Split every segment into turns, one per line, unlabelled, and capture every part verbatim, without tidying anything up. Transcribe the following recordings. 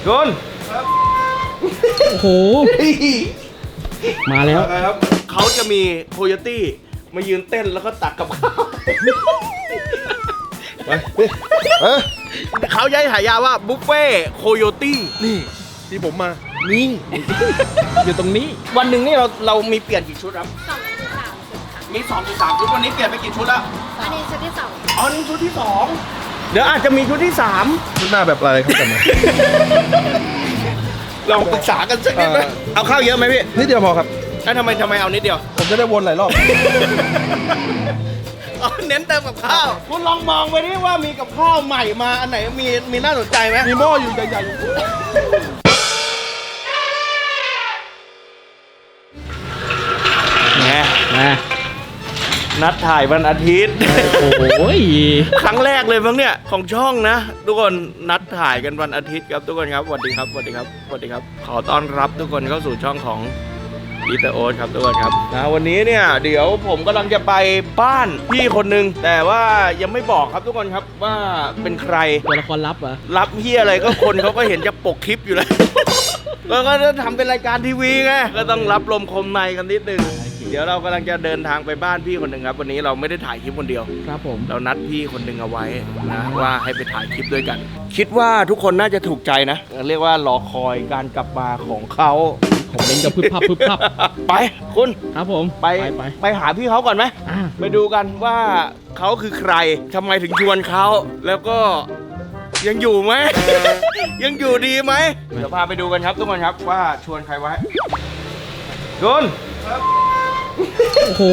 โดน
โอ้โหมาแล้ว
ครับเขาจะมีโคโยตี้มายืนเต้นแล้วก็ตักกับข้าวไปเขาย้ายหายาว่าบุฟเฟ่โคโยตี้นี่ที่ผมมานี่
อยู่ตรงนี้
วันหนึ่งนี่เราเรามีเปลี่ยนกี่ชุดครับ
สองถึงสามชุดค่ะ
มีสองถึงสามชุดวันนี้เปลี่ยนไปกี่ชุดแล้ว
อันนี้ชุดที่สอง
อ๋อนี่ชุดที่สองเดี๋ยวอาจจะมีชุดที่สาม
ชุดหน้าแบบอะไรครับจำไหม
ลองปรึกษากันสักนิดไหมเอาข้าวเยอะไหมพี่
นิดเดียวพอครับ
แล้วทำไมทำไมเอานิดเดียว
ผมจะได้วนหลายรอบ
เน้นเติมกับข้าวคุณลองมองไปดิว่ามีกับข้าวใหม่มาอันไหนมีมีน่าสนใจไหม
มีหม้ออยู่ใหญ่ๆอยู่
ไง
นะ
นัดถ่ายวันอาทิตย์
โอ้ย
ครั้งแรกเลยมั้งเนี่ยของช่องนะทุกคนนัดถ่ายกันวันอาทิตย์ครับทุกคนครับสวัสดีครับสวัสดีครับสวัสดีครับขอต้อนรับทุกคนเข้าสู่ช่องของอีเตอร์โอ๊ตครับทุกคนครับนะวันนี้เนี่ยเดี๋ยวผมกำลังจะไปบ้านพี่คนนึงแต่ว่ายังไม่บอกครับทุกคนครับว่าเป็นใคร
ตัวละครลับเหรอ
รับเฮียอะไรก็คนเขาก็เห็นจะปกคลิปอยู่แล้วแล้วก็จะทำเป็นรายการทีวีไงก็ต้องรับลมคมในกันนิดนึงเดี๋ยวเรากำลังจะเดินทางไปบ้านพี่คนหนึ่งครับวันนี้เราไม่ได้ถ่ายคลิปคนเดียว
ครับผม
เรานัดพี่คนหนึ่งเอาไว้นะว่าให้ไปถ่ายคลิปด้วยกันคิดว่าทุกคนน่าจะถูกใจนะเรียกว่ารอคอยการกลับมาของเขา
ผมเล่นกับพึบพับพึบพับ
ไปคุณ
ครับผม
ไปไปไปหาพี่เขาก่อนไหมไปดูกันว่าเขาคือใครทำไมถึงชวนเขาแล้วก็ยังอยู่ไหม ยังอยู่ดีไหมเดี๋ยวพาไปดูกันครับทุกคนครับว่าชวนใครไว้คุณ
โอ้โห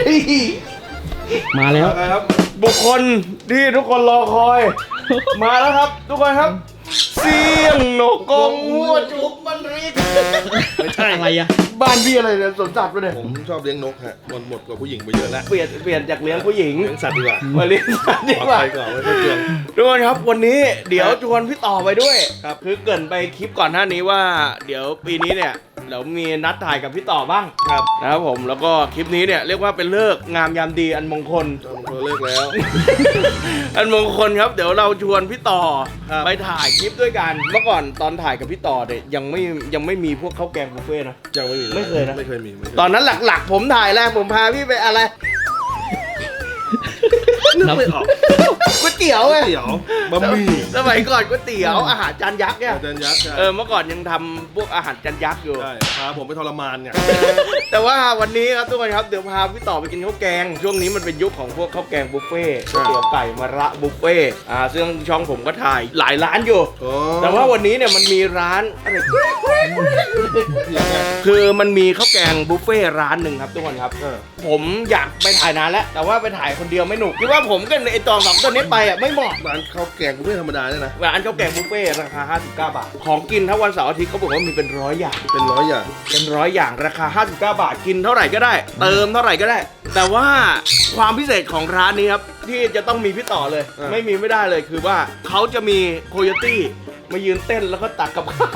มาแล้ว
ครับบุคคลที่ทุกคนรอคอยมาแล้วครับทุกคนครับเสียงนกกงหัวจุกมันรีก
ไม่ใช่อะไรอะ
บ้านพี่อะไรเนี่ยสวนสัตว์ไปเลย
ผมชอบเลี้ยงนกฮะมันหมดกว่าผู้หญิงไปเยอะแล้ว
เปลี่ยนเปลี่ยนจากเลี้ยงผู้หญิง
เลี้ยงสัตว์ดีกว่า
มาเลี้ยงสัตว์ดีกว่า
ไปก่อนไม่ต้องเตือน
ทุกคนครับวันนี้เดี๋ยวชวนพี่ต่อไปด้วยครับคือเกินไปคลิปก่อนหน้านี้ว่าเดี๋ยวปีนี้เนี่ยเรามีนัดถ่ายกับพี่ต่อบ้าง
ครับ
นะครับผมแล้วก็คลิปนี้เนี่ยเรียกว่าเป็นเลิกงามยามดีอันมงคล
เลิกแล้ว
อันมงคลครับเดี๋ยวเราชวนพี่ต่อไปถ่ายคลิปด้วยกันเมื่อก่อนตอนถ่ายกับพี่ต่อเนี่ยยังไม่ยังไม่มีพวกข้าวแกงบุฟเฟ่นะ
ยังไม่มี
ไม่เคยนะ
ไม่เคยมี
ตอนนั้นหลักๆผมถ่ายแรกผมพาพี่ไปอะไร
นึกไม่ออก
ก๋วยเตี๋ยวไง
ก๋วยเตี๋ยวบะหมี่
สมัยก่อนก๋วยเตี๋ยวอาหารจานยักษ์เนี่ย
จานยักษ์
เออเมื่อก่อนยังทำพวกอาหารจานยักษ์อยู่
ใช่พาผมไปทรมานเนี่ย
แต่ว่าวันนี้ครับทุกคนครับเดี๋ยวพาพี่ต่อไปกินข้าวแกงช่วงนี้มันเป็นยุคของพวกข้าวแกงบุฟเฟ่ก๋วยเตี๋ยวไก่มะระบุฟเฟ่อ่าซึ่งช่องผมก็ถ่ายหลายร้านอยู่แต่ว่าวันนี้เนี่ยมันมีร้านอะไรคือมันมีข้าวแกงบุฟเฟ่ร้านหนึ่งครับทุกคนครับผมอยากไปถ่ายนานแล้วแต่ว่าไปถ่ายคนเดียวไม่หนุกคิดว่าผมกับไอตองสองตัวนี้ไปอ่ะไม่เหมาะ
ร้านข้าวแกงบุฟเฟ่ธรรมดาเนี่ยนะ
ร้านข้าวแกงบุฟเฟ่ราคาห้าสิบเก้าบาทของกินถ้าวันเสาร์อาทิตย์เขาบอกว่ามีเป็นร้อยอย่าง
เป็นร้อยอย่าง
เป็นร้อยอย่างราคาห้าสิบเก้าบาทกินเท่าไหร่ก็ได้เติมเท่าไหร่ก็ได้แต่ว่าความพิเศษของร้านนี้ครับที่จะต้องมีพี่ต่อเลยไม่มีไม่ได้เลยคือว่าเขาจะมีโคโยตี้มายืนเต้นแล้วก็ตักกับข้าว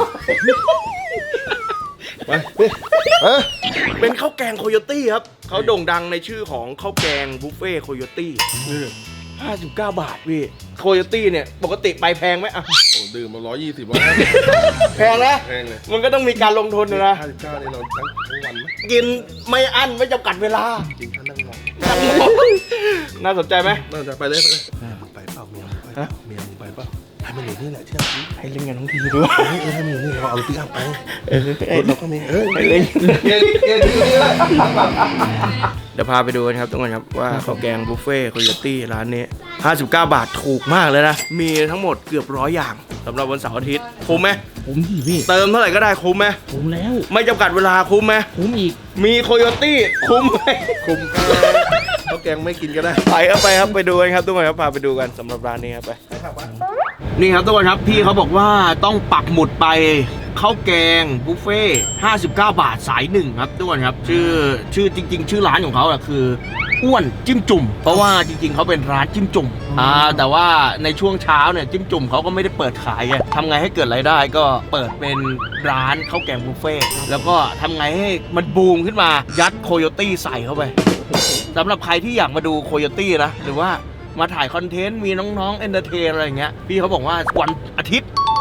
ไป
เป็นข้าวแกงโคโยตี้ครับเขาโด่งดังในชื่อของข้าวแกงบุฟเฟ่โคโยตี้ห้าสิบเก้าบาทพี่โคโยตี้เนี่ยปกติไปแพงไหมอ่ะ
โอ้ดื่มมาร้อยยี่สิบวัน
แพงนะ
แพงเลย
มันก็ต้องมีการลงทุนนะ
ห้าสิบเก้านี่เราทั้งทั้งวันไหม
กินไม่อั้นไม่จำกัดเวลา
กินท่านั่งรอ
น่าสนใจไหม
น่าจะไปเลยไปเลยไปเปล่าเมียไปเมียไปเปล่าให้มันอยู่นี่แหละเชื่อพี่
ให้เล่นกันทั้งทีด้วย
เออให้มันอยู่นี่เราเอาติ๊กอัพไปเออเราก็มีเออ
ให้เล่นเดี๋ยวพาไปดูกันครับทุกคนครับว่าข้าวแกงบุฟเฟ่โคโยตี้ร้านนี้ห้าสิบเก้าบาทถูกมากเลยนะมีทั้งหมดเกือบร้อยอย่างสำหรับวันเสาร์อาทิตย์คุ้มไหม
คุ้มที่พี่
เติมเท่าไหร่ก็ได้คุ้มไหม
คุ้มแล้ว
ไม่จำกัดเวลาคุ้มไหม
คุ้มอีก
มีโคโยตี้คุ้มไหม
คุ้มข้าวแกงไม่กินก็ได้
ไปครับไปครับไปดูกันครับทุกคนครับพาไปดูกันสำหรับร้านนี้ครับไปนี่ครับทุกคนครับพี่เขาบอกว่าต้องปักหมุดไปข้าวแกงบุฟเฟ่ห้าสิบเก้าบาทสายหนึ่งครับทุกคนครับชื่อชื่อจริงๆชื่อร้านของเขาอะคืออ้วนจิ้มจุ่มเพราะว่าจริงๆเขาเป็นร้านจิ้มจุ่มอ่าแต่ว่าในช่วงเช้าเนี่ยจิ้มจุ่มเขาก็ไม่ได้เปิดขายไงทำไงให้เกิดรายได้ก็เปิดเป็นร้านข้าวแกงบุฟเฟ่แล้วก็ทำไงให้มันบูมขึ้นมายัดโคโยตี้ใส่เข้าไปสำหรับใครที่อยากมาดูโคโยตี้นะหรือว่ามาถ่ายคอนเทนต์มีน้องๆเอนเตอร์เทนอะไรอย่างเงี้ยพี่เขาบอกว่าวันอาทิตย์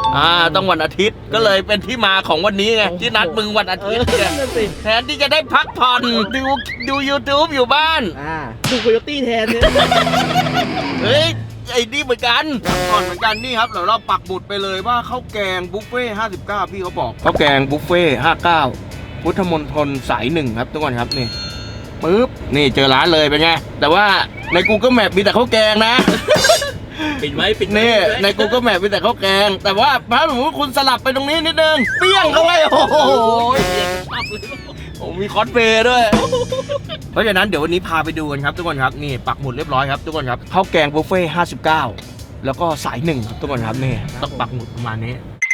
อ่าต้องวันอาทิตย์ก็เลยเป็นที่มาของวันนี้ไงที่นัดมึงวันอาทิตย์เนี่ย
นั่นสิ
แทนที่จะได้พักผ่อนดูดู YouTube อยู่บ้าน
อ่าดูโคโยตี้แทนเนี่ย
เฮ้ยไอ้นี่เหมือนกันก่อนเหมือนกันนี่ครับเดี๋ยวเราปักหมุดไปเลยว่าข้าวแกงบุฟเฟ่ห้าสิบเก้าพี่เขาบอกข้าวแกงบุฟเฟ่ห้าสิบเก้าพุทธมณฑลสายหนึ่งครับทุกคนครับนี่ปึ๊บนี่เจอร้านเลยเป็นไงแต่ว่าใน Google Map มีแต่ข้าวแกงนะ
ปิดไว้ปิด
นี่ใน Google Map มีแต่ข้าวแกง แต่ว่าถ้าสมมติคุณสลับไปตรงนี้นิดนึงเปี้ยงเข้าไปโอ้โหโอ้มีคอสเพลย์ด้วย เพราะฉะนั้นเดี๋ยววันนี้พาไปดูกันครับทุกคนครับนี่ปักหมุดเรียบร้อยครับทุกคนครับข้าวแกงบุฟเฟ่ห้าสิบเก้าแล้วก็สายหนึ่งครับทุกคนครับนี่ต้องปักหมุดประมาณนี้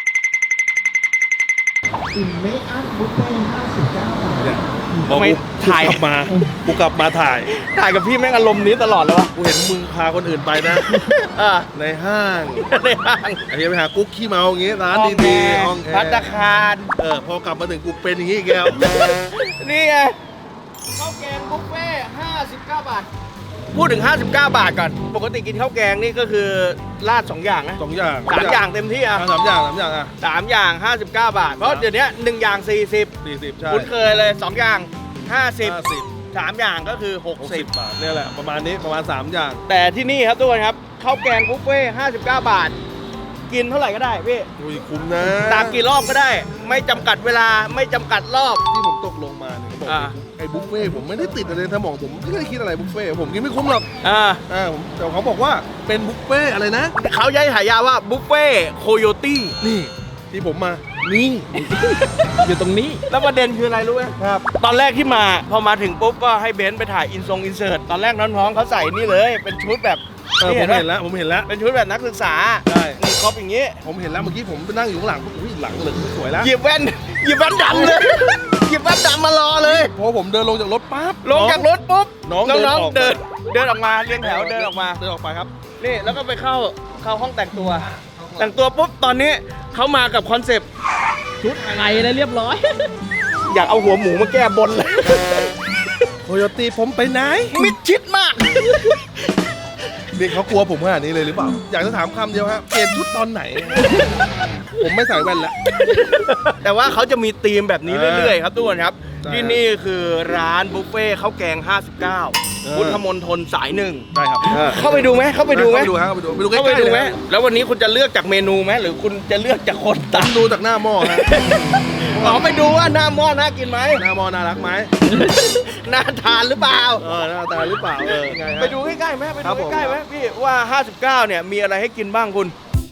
เนี่ยพอ
ทำไม
กู
ถ่าย
กลับมากูกลับมาถ่าย
ถ่ายกับพี่แม่งอารมณ์นี้ตลอดเลยวะ
กูเห็นมึงพาคนอื่นไปนะ
อ่า
ในห้าง
ในห้าง
ไอ้เหี้ยไปหากุ๊กขี้เมาอย่างงี้ร้าน
ห้องแอ
ดี
ร์
ๆห้องแอ
พัตตา
ร์
คาร
เออพอกลับมาถึงกูเป็นอย่างงี้อีกแล้ว
นี่ไงข้าวแกงบุฟเฟ่ห้าสิบเก้าบาทพูดถึงห้าสิบเก้าบาทก่อนปกติกินข้าวแกงนี่ก็คือราดสองอย่างนะ
สองอย่าง
สามอย่างเต็มที่อ่ะ
อ่ะสามอย่างสามอย่างอ่ะ
สามอย่างห้าสิบเก้าบาท เพราะเดี๋ยวนี้หนึ่งอย่างสี่สิบ
สี่สิบใช่
คุ้นเคยเลยสองอย่างห้าสิบ
ห้าสิบ
สามอย่างก็คือหก
หก
สิ
สิ
บ
บบาทเนี่ยแหละประมาณนี้ประมาณสามอย่าง
แต่ที่นี่ครับทุกคนครับข้าวแกงบุฟเฟ่ห้าสิบเก้าบาท กินเท่าไหร่ก็ได้พี่
อุ้ยคุ้มนะ
ตามกี่รอบก็ได้ ไม่จำกัดเวลาไม่จำกัดรอบ
ที่ผมตกลงมาเนี่ยเขาบอก
อ่า
ไอ้บุฟเฟ่ต์ผมไม่ได้ติดอะไรในสมองผมไม่ได้คิดอะไรบุฟเฟ่ต์ผมกินไม่คุ้มหรอก
อ่า
อ่าผมแต่เขาบอกว่าเป็นบุฟเฟ่ต์อะไรนะ
เขาย้ายฉายาว่าบุฟเฟ่โคโยตี้
นี่ที่ผมมานี่
อยู่ตรงนี้
แล้วประเด็นคืออะไรรู้ไหม
ครับ
ตอนแรกที่มาพอมาถึงปุ๊บก็ให้เบนซ์ไปถ่ายอินทรงอินเสิร์ตตอนแรกน้องๆเขาใส่นี่เลย เป็นชุดแบบ
เออผม
ปะ
เห็นแล้วผมเห็นแล้ว
เป็นชุดแบบนักศึกษา
ใช่
นี่ครบอย่างนี้
ผมเห็นแล้วเมื่อกี้ผมไปนั่งอยู่ข้างหลังอุ้ยหลังเหลืองสวยแล้ว
หยิบแว่นหยิบแว่นดำเลย หยิบแว่นดำมารอเลย
พอผมเดินลงจากรถปั๊บ
ลงจากรถปุ๊บ
น้อง
น้อง
เดินออก
ๆเดินเดินออกมาเรียงแถวเดินออกมา
เดินออกไปครับ
นี่แล้วก็ไปเข้าเข้าห้องแต่งตัว แต่งตัวปุ๊บตอนนี้เขามากับคอนเซปต์
ชุดอะไรนะเรียบร้อย
อยากเอาหัวหมูมาแก้บนเลย
โคโยตี้ผมไปไหน
มิดชิดมาก
นี่เขากลัวผมขนาดนี้เลยหรือเปล่า อยากจะถามคำเดียวฮะเปลี่ยนชุดตอนไหน ผมไม่ใส่แว่นแล้ว
แต่ว่าเขาจะมีธีมแบบนี้เรื่อยๆครับทุกคนครับ
ใช่
ที่นี่คือร้านบุฟเฟ่ข้าวแกง ห้าสิบเก้า
เออ
พุทธมณฑลสายหนึ่ง
ได้ครับ
เข้าไปดูไหมเข้าไปดูไหม
เข้าไปดูฮะเข้าไปดูไปดูใก
เข้าไป
ล้ๆ
ดู
เลย
ไหม
ฮะ
แล้ววันนี้คุณจะเลือกจากเมนูไหมหรือคุณจะเลือกจากคน
ผ
ตัก
มดูจากหน้าหม้อฮะ
อ๋อไปดูว่าหน้าหม้อน่ากินไหม
หน้าหม้อน่ารักไหม
น่าทานหรือเปล่า
เออหน้าตาหรือเปล่าเออยังไงฮะ
ไปดูใกล้ๆไหมไป
ครั
ดู
บผม
ใกล้ๆไหมพี่ว่า ห้าสิบเก้า เนี่ยมีอะไรให้กินบ้างคุณ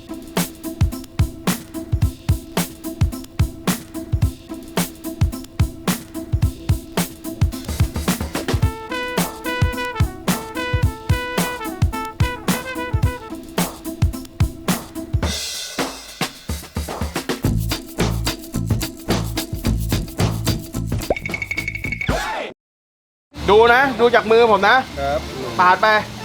ดูนะ ดูจากมือผมนะ
ครับ
ปาดไป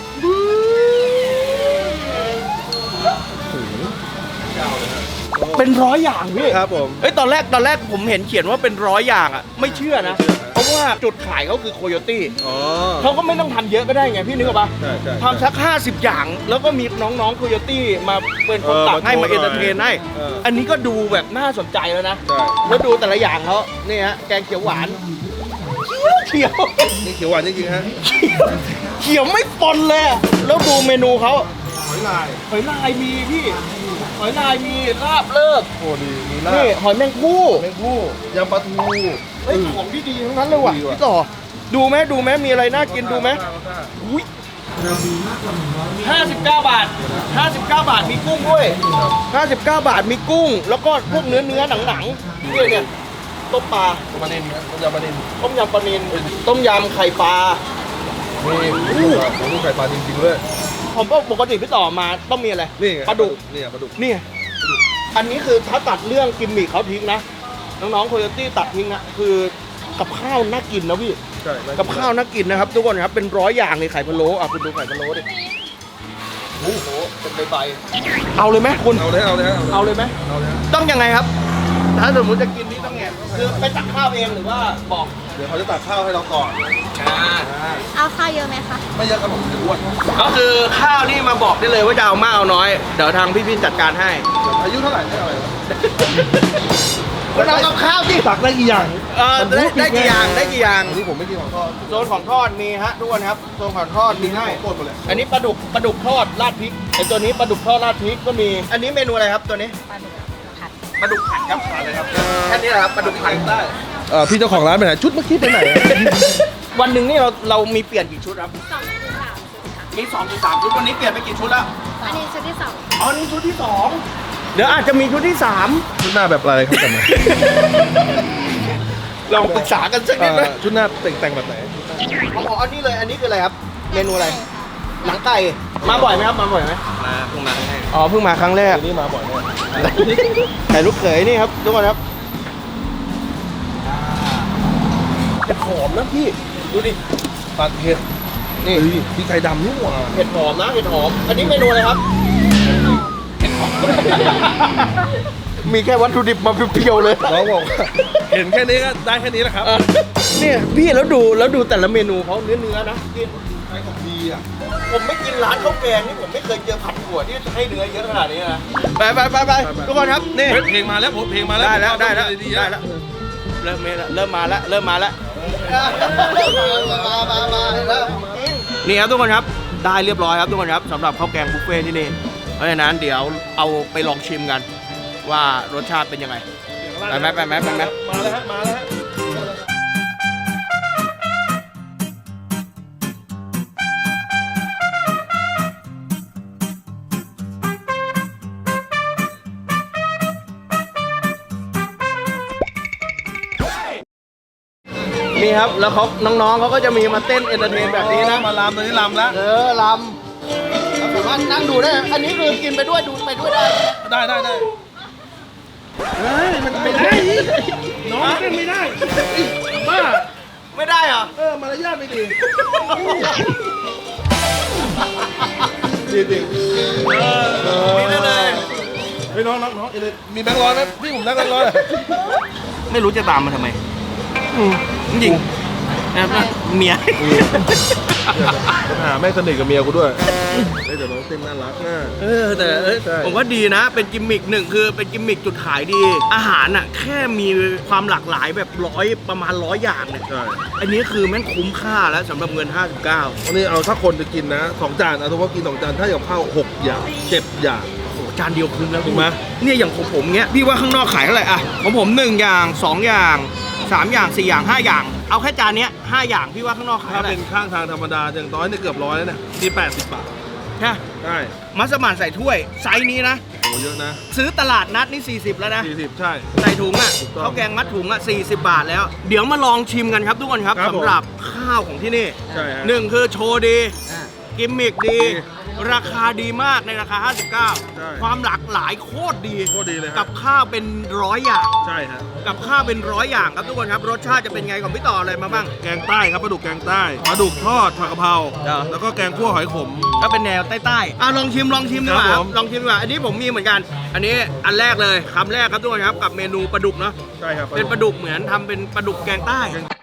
เป็นร้อยอย่างพี่
ครับผม
เอ้ยตอนแรกตอนแรกผมเห็นเขียนว่าเป็นร้อยอย่างอ่ะ ไม่เชื่อนะ
ไม่เชื่อฮะ
เพราะว่าจุดขายเขาคือโคโยตี้
อ๋อ
เขาก็ไม่ต้องทำเยอะก็ได้ไงพี่นึกออกปะ
ใช่ใช่
ทำสักห้าสิบอย่าง แล้วก็มีน้องๆโคโยตี้มาเป็นคน
เออ
ตักให้
มา
มา
โชว์
เอนเตอร์เทนให้
เอออั
อันนี้ก็ดูแบบน่าสนใจแล้วนะ
ใช่
แล้วดูแต่ละอย่างเขานี่ฮะแกงเขียวหวานเขียว
นี่เขียวหวานจริงๆฮะ
เขียวไม่ปนเลยอะแล้วดูเมนูเขา
หอยลาย
หอยลายมีพี่ หอยลายมีลาบเลิก
โอ้ดีมีลา
นี่
บ
หอยแมงคู่
แมงผู้ยำปลาทู
เฮ้ยของที่ดีทั้งนั้นเลยว่ะ
ดีว่ะ
พี่ต่อ ดูไหมดูไหมมีอะไรน่ากินดูไหมอุ้ยห้าสิบเก้าบาทห้าสิบเก้าบาทมีกุ้งด้วยห้าสิบเก้าบาทมีกุ้ง แล้วก็พวกเนื้อเนื้อหนังหนังๆเนี่ยเนี่ยต้มปลา
ปลาเนินครับต้มยำปลาเนิน
ต้มยำปลานิลต้มยำไข่ปลา
นี่อู้ผมดูไข่ปลาจริงๆเลย
ผมก็ปกติพี่ต่อมาต้องมีอะไร
นี่ไง
ปลาดุก
นี่ไงปลาดุก
นี่ไงอันนี้คือถ้าตัดเรื่องกิมมิคเขาทิ้งนะ น้องๆโคโยตี้ตัดทิ้งนะคือกับข้าวน่ากินนะพี่
ใช่น่
กับข้าวน่ากินนะครับทุกคนครับเป็นร้อยอย่างเลยไข่พะโล้อ่ะคุณดูไข่พะโล้ดิโอ้โหเป็นใบใบๆเอาเลยไหมคุณ
เอาเลยเอาเลยฮะ
เอาเลยไหม
เอาเลยฮะ
ต้องยังไงครับ ถ้าสมมติจะกินนี่ต้องไง
ค
คือไปตักข้าวเองหรือว่าบอก
เดี๋ยวเขาจะตักข้าวให้เราก่อน
เอาข้าวเยอะไหมคะ
ไม่เยอะครับผมจะอ้วน
ก็คือข้าวนี่มาบอกได้เลยว่าจะเอามากเอาน้อยเดี๋ยวทางพี่ๆจัดการให้
อายุเท่าไหร่ไม่เอาอะไร
ก็เอากับข้าวที่
ตักได้กี่อย่าง
เออได้ได้กี่อย่างได้กี่อย่าง
อันนี้ผมไม่กินของทอด
โซนของทอดมีฮะทุกคนครับโซนของทอดมีให้
โคตรหมดเลย
อันนี้ปลาดุกปลาดุกทอดราดพริกไอตัวนี้ปลาดุกทอดราดพริกก็มี อันนี้เมนูอะไรครับตัวนี้
ปลาดุกผัด
ปลาดุกผัดครับผัดเลยครับแค่นี้แหละครับปลาดุกผัดได้
เอ่อพี่เจ้าของร้านไปไหนชุดเมื่อกี้ไปไหน
วันหนึ่งนี่เราเรามีเปลี่ยนกี่ชุดครับ
สองถึงสามชุดค่ะ
มีสองถึงสามชุดวันนี้เปลี่ยนไปกี่ชุดแล้ว
อันนี้ชุดที่สอง
อ๋อนี่ชุดที่สองเดี๋ยวอาจจะมีชุดที่สาม
ชุดหน้าแบบอะไรครับจำไหม
ลองปรึกษากันสักนิดไหม
ชุดหน้าแต่งแต่งแบบไหน
อ๋ออันนี้เลยอันนี้คืออะไรครับ เมนูอะไรหนังไก่มาบ่อยไหมครับมาบ่อยไหม
มาเพิ่งมาให้
อ๋อเพิ่งมาครั้งแรก
อันนี้มาบ่อยแน่
ไก่ลูกเขยนี่ครับทุกคนครับเห็ดหอมนะพี่ดูดิ
ตัดเห็ด
นี่
เฮ้ยพี่ไก่ดำนี่หว่า
เห็ดหอมนะเห็ดหอม อันนี้เมนูอะไรครับเห็ดหอมมีแค่วัตถุดิบมาเพียวๆเลย
น้องบอกว่าเห็นแค่นี้ก็ได้แค่นี้แหละครับ
เออเนี่ยพี่แล้วดูแล้วดูแต่ละเมนูเขาเนื้อเนื้อๆนะกิน
ใช้ของดีอ่ะ
ผมไม่กินร้านข้าวแกงนี่ผมไม่เคยเจอผัดถั่วที่ให้เนื้อเยอะขนาดนี้นะไปไปไปไปทุกคนครับนี่
เพลงมาแล้วผมเพลงมาแล้ว
ได้แล้วได้แล้ว
ดี
ได้แล้วเริ่มมาแล้วเริ่มมาแล้วเริ่มมาแล้วนี่ครับทุกคนครับได้เรียบร้อยครับทุกคนครับสำหรับข้าวแกงบุฟเฟ่ที่นี่เพราะฉะนั้นเดี๋ยวเอาไปลองชิมกัน ว่ารสชาติเป็นยังไงไปไหมไปไหมไปไหม
มาแล้วฮะมาแล้วฮะ
นี่ครับแล้วเขาน้องๆเขาก็จะมีมาเต้นเอนเตอร์เทนแบบนี้นะ
มาลำตอนนี้ลำแล้ว
เออลำผมว่านั่งดูได้ อันนี้คือกินไปด้วยดูไปด้วยได้
ได้ได้ได้เฮ้ยมันไม่ได้น้องเต้นไม่ได้บ้า
ไม่ได้เหรอ
เออมารยาทไม่ดีดีจริง
นี่ได้เลย
เฮ้ยน้องน้องน้องเอเลยมีแบงค์ร้อยไหมพี่ผมได้แบงค์ร้อย
ไม่รู้จะตามมาทำไมจริงๆนะเมีย
หาแม่สนิทกับเมียกูด้วยเฮ้ยแต่น้องเต้นน่ารักน่ะ
เออแต่เอ้ย
ใช่
ผมว่าดีนะ เป็นกิมมิกหนึ่งคือเป็นกิมมิกจุดขายดี อาหารอ่ะแค่มีความหลากหลายแบบร้อยประมาณร้อยอย่างเนี่ย
ใช่
อันนี้คือแม่งคุ้มค่าแล้วสำหรับเงิน ห้าสิบเก้า
วันนี้เอาถ้าคนจะกินนะสองจานเอาถือว่ากินสองจานถ้าอย่างข้าวหกอย่างเจ็ดอย่าง
โอ้โหจานเดียวคุ้มแล้ว
ถูกไหม
เนี่ยอย่างของผมเงี้ยพี่ว่าข้างนอกขายเท่าไหร่อะของผมหนึ่งอย่างสองอย่างสามอย่างสี่อย่างห้าอย่าง เอาแค่จานเนี้ยห้าอย่างพี่ว่าข้างนอกขาย
ถ้า
เท่าไหร่
เป็นข้างทางธรรมดาอย่างน้อยเนี่ยเกือบร้อยแล้วเนี่ยที่แปดสิบบาท
ใช่
ใช่
มัสมั่นใส่ถ้วยไซส์นี้นะ
โอ้เยอะนะ
ซื้อตลาดนัดนี่สี่สิบแล้วนะ
สี่สิบใช่
ใส่ถุงอ่ะ
ถูกต้อง
ข้าวแกงมัดถุงอ่ะสี่สิบบาทแล้ว เดี๋ยวมาลองชิมกันครับทุกคนครับ
ครับผม
สำหรับข้าวของที่นี่
ใช่ฮะ
หนึ่งคือโชว์ดี กิมมิกดี
ดี
ราคาดีมากในราคา ห้าสิบเก้า
ใช่
ความหลากหลายโคตรดี
โคตรดีเลยค
กั
รับบ
ข้าวเป็นร้อยอย่าง
ใช่ฮะ
กับข้าวเป็นร้อยอย่างครับทุกคนครับรสชาติจะเป็นไงของพี่ต่ออะไรมาบ้าง
แกงใต้ครับปลาดุกแกงใต้ปลาดุกทอดผักกะเพรา
เออ
แล้วก็แกงคั่วหอยขม
ก็เป็นแนวใต้ๆอ่ะลองชิมลองชิมดีกว่า
ครับ
ค
ผ
รับ
ม
ลองชิมดีกว่าอันนี้ผมมีเหมือนกัน อันนี้อันแรกเลยคำแรกครับทุกคนครับกับเมนูปลาดุกเนาะ
ใช่ครับ
เป็นปลาดุกเหมือนทำเป็นปลาดุกแกงใต้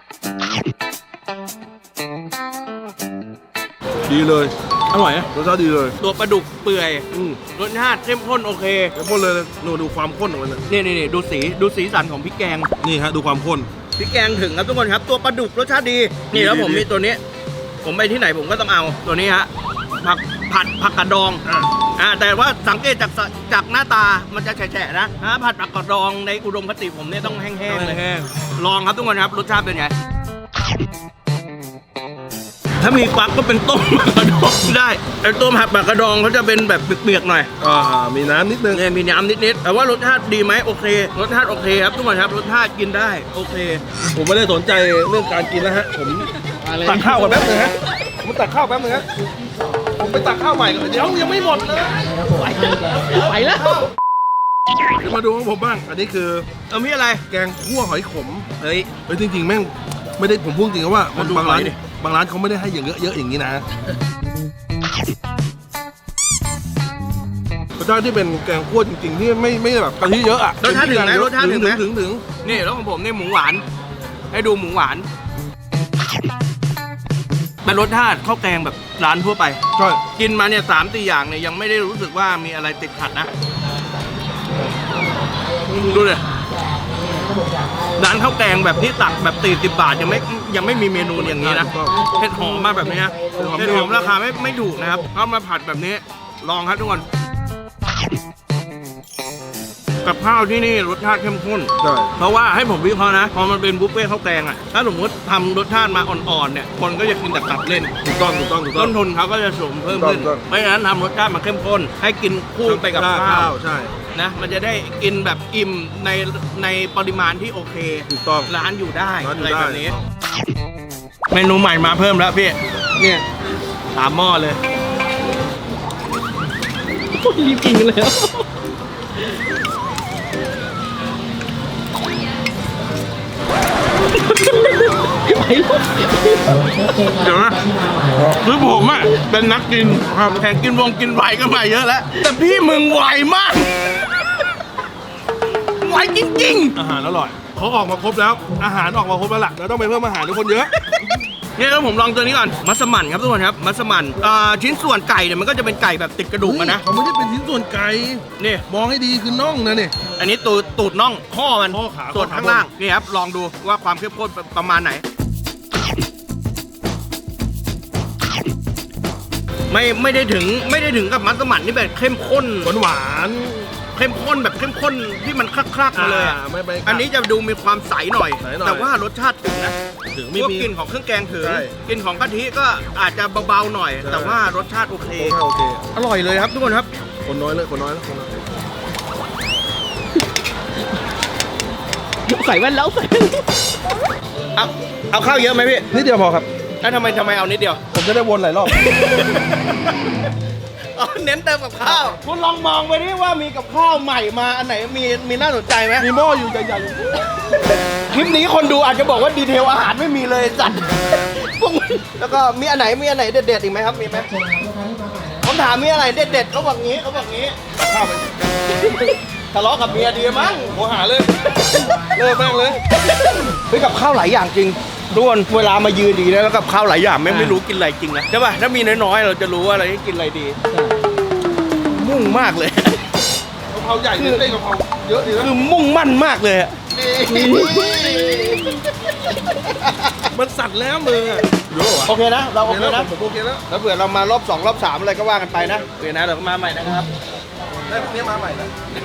ดีเลย
อร่อยนะ
รสชาติดีเลย
ตัวปลาดุกเปื่อย
อืม
รสชาติเข้มข้นโอเค
เข้มข้นเลยหนูดูความข้นของมันนะ
นี่นี่นี่ดูสีดูสีสันของพริกแกง
นี่ฮะดูความข้น
พริกแกงถึงครับทุกคนครับตัวปลาดุกรสชาติดีนี่แล้ว
ดี
ผม
ดี
มีตัวนี้ ผมไปที่ไหนผมก็ต้องเอาตัวนี้ฮะผักผัดผักกระดอง
อ่ะ
อ่าแต่ว่าสังเกตจากสจากหน้าตามันจะแฉะๆนะฮะผัดผักกระดองในอุดมคติผมเนี่ยต้องแห้งๆเลย
แห้ง
ลองครับทุกคนครับรสชาติเป็นไงถ้ามีฟักก็เป็นต้มผักกระดองได้ไอ้ต้มผัดผักกระดองเขาจะเป็นแบบเปียกๆหน่อย
ๆอ่ามีน้ำนิดนึง
เนี่ยมีน้ำนิดๆแต่ว่ารสชาติดีไหมโอเครสชาติโอเคครับทุกคนครับรสชาติกินได้โอเค
ผมไม่ได้สนใจเรื่องการกินแล้วฮะผมตักข้าวก่อนแป๊บนึงฮะผมตักข้าวแป๊บนึงฮะผมไปตักข้าวใหม่ก่อนเดี๋ยวยังไม่หมดเลย
ไปแล้ว
เดี๋ยวมาดูของผมบ้าง อันนี้คือ
เอามีอะไร
แกงคั่วหอยขม
เฮ้ย
เฮ้ยจริงๆแม่งไม่ได้ผมพูดจริงๆว่ามัน
มาดู
บางร้าน
หอยดิ
บางร้านเขาไม่ได้ให้อย่างเยอะๆอย่างนี้นะ ไปสชาติที่เป็นแกงคั่วจริงๆที่ไม่ไม่แบบกะทิเยอะอะ
รสชาติถึงไหมรสชาติถึงไหม
ถึงถึง
นี่แล้วของผมนี่หมูหวาน ให้ดูหมูหวานเป็นรสชาติข้าวแกงแบบร้านทั่วไป
ใช่
กินมาเนี่ยสามสี่อย่างเนี่ยยังไม่ได้รู้สึกว่ามีอะไรติดขัดนะดูเลยร้านข้าวแกงแบบที่ตักแบบสี่สิบบาทยังไม่ยังไม่มีเมนูอย่างนี้นะเห็ดหอมมาแบบนี้นะเห็ดหอมราคาไม่ไม่ถูกนะครับเอามาผัดแบบนี้ลองครับทุกคนกับข้าวที่นี่รสชาติเข้มข้น
ใช่
เพราะว่าให้ผมวิเคราะห์นะพอมันเป็นบุฟเฟ่ต์ข้าวแกงอ่ะถ้าสมมติทำรสชาติมาอ่อนๆเนี่ยคนก็จะกินแต่ตับเล่น
ถูกต้องถูกต้องถูกต้อ
ต้
ง
นทุนเขาก็จะสูงเพิ่มขึ้น
ถูกต้อง
เพราะฉะนั้นทำรสชาติมาเข้มข้น ให้กินคู่ไปกับข้าว
ใช่
นะมันจะได้กินแบบอิ่มในในปริมาณที่โอเค
ถูกต้อง
ร้านอยู่ได้
ร้านอยู่
อะไร
ได้
แบบนี้ เมนูใหม่มาเพิ่มแล้วพี่เนี่ยสามหม้อเลย
รีบกินกันแล้ว
เดี๋ยวนะคือผมอ่ะเป็นนักกินแข่งกินวงกินไวก็มาเยอะแล้ว แต่พี่มึงไวมาก ไวจริง
อาหารอร่อยเขาออกมาครบแล้ว อาหารออกมาครบแล้วล่ะเราต้องไปเพิ่มอาหารให้คนเยอะ
ๆเนี่ยแล้วผมลองตัวนี้ก่อนมัสมั่นครับทุกคนครับมัสมั่นอ่าชิ้นส่วนไก่เนี่ยมันก็จะเป็นไก่แบบติดกระดูกอะนะ
เขาไม่ได้เป็นชิ้นส่วนไก่
นี่
มองให้ดีคือน่องนะนี่
อันนี้ตูดตูดน่องข้อมัน
ข้อขา
ส่วน
ข้อขา
ข้างล่างนี่ครับลองดูว่าความเข้มข้นประมาณไหน ไม่ไม่ได้ถึงไม่ได้ถึงกับมัสมั่นที่แบบเข้มข้น
หวานหวาน
เข้มข้นแบบเข้มข้นที่มันคลักๆมาเลยอะ
อ่าไม่ไป
อันนี้จะดูมีความใสหน่อย
ใสหน่อย
แต่ว่ารสชาติถึงนะ
ถึง
พ
ไม่
วก
มี
กลิ่นของเครื่องแกงถึง
ใช่
กลิ่นของกะทิก็อาจจะเบาๆหน่อย
ใช่
แต่ว่ารสชาติโอเค
โอเค
อร่อยเลยครับทุกคนครับ
คนน้อยเลยคนน้อยแล้วคนน้อย
ใส่แว่นแล้วใส่
เอาเอาข้าวเยอะไหมพี่
นิดเดียวพอครับ
แล้วทำไมทำไมเอานิดเดียว
ผมจะได้วนหลายรอบ
อ๋อเน้นเติมกับข้าว คุณลองมองไปดิว่ามีกับข้าวใหม่มาอันไหนมีมีน่าสนใจไหม
มีหม้ออยู่ใหญ่ๆอยู่
คลิปนี้คนดูอาจจะบอกว่าดีเทลอาหารไม่มีเลยจัด พวกมึงแล้วก็มีอันไหนมีอันไหนเด็ดๆอีกไหมครับมีไหมผมถามมีอะไรเด็ดๆเขาบอกงี้เขาบอกงี้
ข้าวไป
ทะเลาะกับเมียดีมั้ง
โมหาเลยเลิกแม่งเลย
เฮ้ยกับข้าวหลายอย่างจริงทุกคนเวลามายืนดีนะแล้วกับข้าวหลายอย่างแม่งไม่รู้กินอะไรจริงนะใช่ป่ะถ้ามีน้อยๆเราจะรู้ว่าอะไรที่กินอะไรดี มุ่งมากเลย
กะเพราใหญ่เต้นกะเพราเยอะดีนะ
คือมุ่งมั่นมากเลยอะ
มันสั่นแล้วมืออะเยอะวะ
โอเคนะ เราโอเค
แล้ว
นะ
ผมโอเคแล้ว
แล้วเผื่อเรามารอบสองรอบสามอะไรก็ว่ากันไปนะโอเคนะเดี๋ยวมาใหม่นะครับ
ได้พวกนี้มาใหม่นะ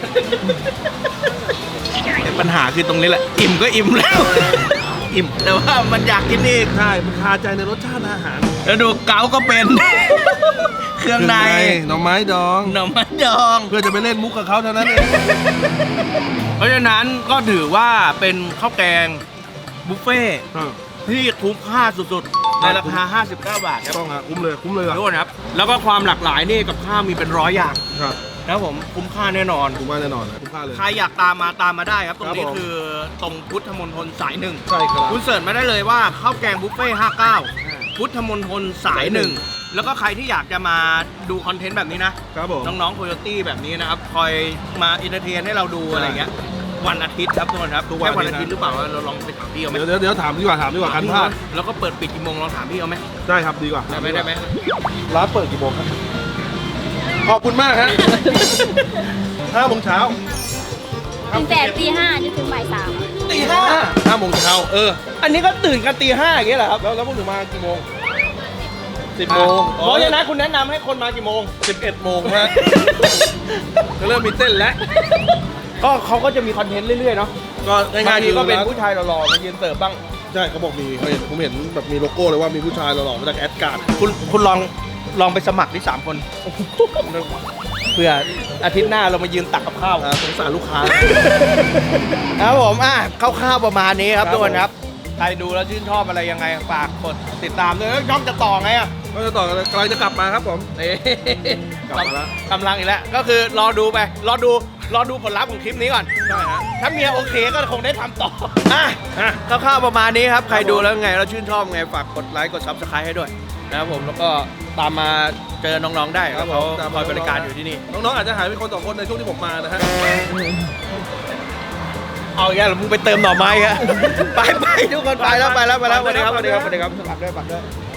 ปัญหาคือตรงนี้แหละ อิ่มก็อิ่มแล้ว อิ่มแต่ว่ามันอยากกินอีก
ใช่มันคาใจในรสชาติอาหาร
แล้วดูเกาก็เป็น เครื่องใน
หน่อไม้ดอง
หน่อไม้ดอง
เพื่อจะไปเล่นมุกกับเขาเท่านั้นเอง
เพราะฉะนั้นก็ถือว่าเป็นข้าวแกงบุฟเฟ่ต์
อ่า
ที่คุ้มค่าสุดๆ ในราคา ห้าสิบเก้า บาทครับ
ต้องอ่ะคุ้มเลยคุ้มเลยอ่ะ
ทุกคนครับ แล้วก็ความหลากหลายนี่กับข้าวมีเป็นร้อยอย่าง
ครับ
นะครับผมคุ้มค่าแน่นอน
คุ้มมากแน่นอนนะคุ้มค่าเลย
ใครอยากตามมาตามมาได้ครับ ตรงนี้
ครับผม
คือตรงพุทธมณฑลสายหนึ่ง
ใช่ครับ
คุณเสิร์ชมาได้เลยว่าข้าวแกงบุฟเฟ่ต์ห้าสิบเก้า พุทธมณฑลสายหนึ่ง แล้วก็ใครที่อยากจะมาดูคอนเทนต์แบบนี้นะ
ครับผม
น้องๆโคโยตี้แบบนี้นะครับ คอยมาอินเตอร์เทนให้เราดูอะไรเงี้ย วันอาทิตย์ครับทุกคนครับ
ทุกวัน
แค่วันอาทิตย์
นะ
หรือเปล่าเราลองไปถามพี่เอาไหม
เดี๋ยวเดี๋ยวเดี๋ยวถามดีกว่าถามดีกว่ากันพลาด
แล้วก็เปิดปิดกี่โมงลองถามพี่เอาไหม
ได้ครับดีกว่า
ได้ไหมได้ไหม
ร้านเปิดกี่โมงครับขอบคุณมากฮะห้าโมงเช้า
ตั้งแต่ตีห้านี่ถึงบ่ายสาม
ตีห้า
ห้าโมงเช้าเออ
อันนี้ก็ตื่นกันตีห้าอย่างเงี้ยเหรอครับ
แล้วแล้วพวกหนูมากี่โมงสิบโมง
เพราะฉะนั้นคุณแนะนำให้คนมากี่โมง
สิบเอ็ดโมงฮะจะเริ่มมีเต้นแล้ว
ก็เขาก็จะมีคอนเทนต์เรื่อยๆเนาะ
ก็ง่ายๆ
บางทีก็เป็น
ร้
ผู้ชายหล่อๆมายืนเสิร์ฟบ้าง
ใช่เขาบอกมีเขาเห็นผมเห็นแบบมีโลโก้เลยว่ามีผู้ชายหล่อๆมาจากแอดการ์ด
คุณคุณลองลองไปสมัครที่สามคน เพื่ออาทิตย์หน้าเรามายืนตักกับข้าว
อ่าสงสารลูกค้า
ครับผมอ่ะคร่าวๆประมาณนี้ครับ
ครับ
ทุกคนครับ ใครดูแล้วชื่นชอบอะไรยังไงฝากกดติดตามด้วยแล้วช่องจะต่อไงอ่ะ
ก็จะต่อกันกำลังจะกลับมาครับผม
นี่
กลับมาแล้ว
กำลังอีกแล้วก็คือรอดูไปรอดูรอดูผลลัพธ์ของคลิปนี้ก่อน
ใช่ฮะ
ถ้าเมียโอเคก็คงได้ทำต่ออ่ะคร่าวๆประมาณนี้ครับ ใครดูแล้วไงแล้วชื่นชอบไงฝากกดไลค์กดซับสไครต์ให้ด้วยนะครับผมแล้วก็ตามมาเจอน้องๆได้ครับเขาคอยบริการอยู่ที่นี่
น้องๆอาจจะหายไปคนสองคนในช่วงที่ผมมานะฮะ
เอาอย่างเงี้ยมึงไปเติมหน่อไม้อะ ไปไปทุกคนไปแล้วไปแล้วไปแล้วสวัสดีครับสวัสดีครับสวัสดีครับสวัสดีครับ